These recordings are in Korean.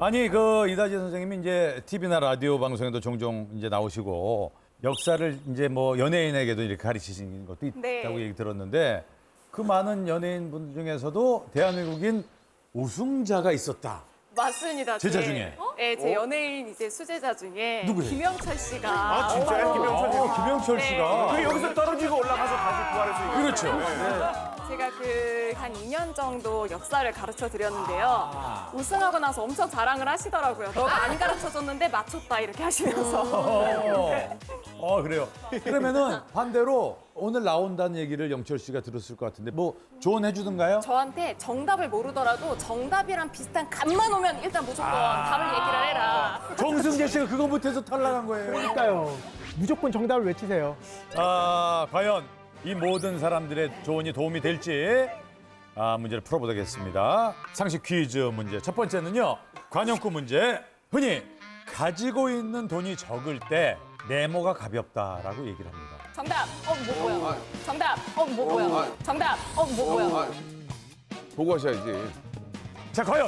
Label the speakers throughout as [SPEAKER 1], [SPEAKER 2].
[SPEAKER 1] 아니 그 이다지 선생님이 이제 TV나 라디오 방송에도 종종 이제 나오시고 역사를 이제 뭐 연예인에게도 이렇게 가르치신 것도 있다고
[SPEAKER 2] 네.
[SPEAKER 1] 얘기 들었는데 그 많은 연예인 분들 중에서도 대한민국인 우승자가 있었다.
[SPEAKER 2] 맞습니다.
[SPEAKER 1] 제자
[SPEAKER 2] 제-
[SPEAKER 1] 중에?
[SPEAKER 2] 네, 제 연예인 이제 수제자 중에
[SPEAKER 1] 누구예요?
[SPEAKER 2] 김영철 씨가.
[SPEAKER 3] 아, 진짜요? 김영철 씨.
[SPEAKER 1] 김영철
[SPEAKER 2] 네.
[SPEAKER 1] 씨가.
[SPEAKER 3] 그 여기서 떨어지고 올라가서 다시 부활해서
[SPEAKER 1] 그렇죠.
[SPEAKER 2] 제가 그 한 2년 정도 역사를 가르쳐 드렸는데요. 우승하고 나서 엄청 자랑을 하시더라고요. 너가 안 가르쳐 줬는데 맞췄다 이렇게 하시면서.
[SPEAKER 1] 그래요. 그러면은 반대로 오늘 나온다는 얘기를 영철 씨가 들었을 것 같은데 뭐 조언해 주든가요?
[SPEAKER 2] 저한테 정답을 모르더라도 정답이랑 비슷한 값만 오면 일단 무조건 답을 얘기를 해라.
[SPEAKER 1] 정승재 씨가 그거 못해서 탈락한 거예요.
[SPEAKER 4] 그러니까요. 무조건 정답을 외치세요.
[SPEAKER 1] 과연 이 모든 사람들의 조언이 도움이 될지 문제를 풀어보겠습니다. 상식 퀴즈 문제. 첫 번째는요. 관용구 문제. 흔히 가지고 있는 돈이 적을 때 네모가 가볍다라고 얘기를 합니다.
[SPEAKER 2] 정답. 뭐야? 정답. 뭐야? 정답. 뭐야?
[SPEAKER 5] 보고 하셔야지.
[SPEAKER 1] 자, 과연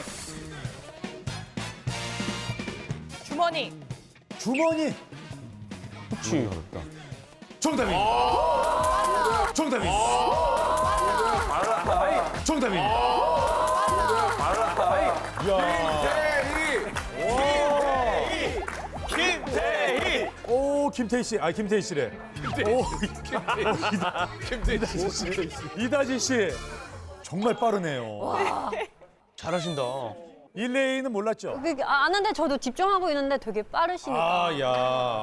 [SPEAKER 2] 주머니.
[SPEAKER 1] 주머니
[SPEAKER 4] 그렇지.
[SPEAKER 1] 정답입니다. 정답입니다. 정답입니다.
[SPEAKER 3] 김태희!
[SPEAKER 1] 오, 김태희 씨. 김태희 씨래.
[SPEAKER 5] 김태희 씨.
[SPEAKER 1] 이다지 씨. 정말 빠르네요.
[SPEAKER 3] 잘하신다.
[SPEAKER 1] 1레이는 몰랐죠?
[SPEAKER 6] 아는데 저도 집중하고 있는데 되게 빠르시니까.
[SPEAKER 1] 야.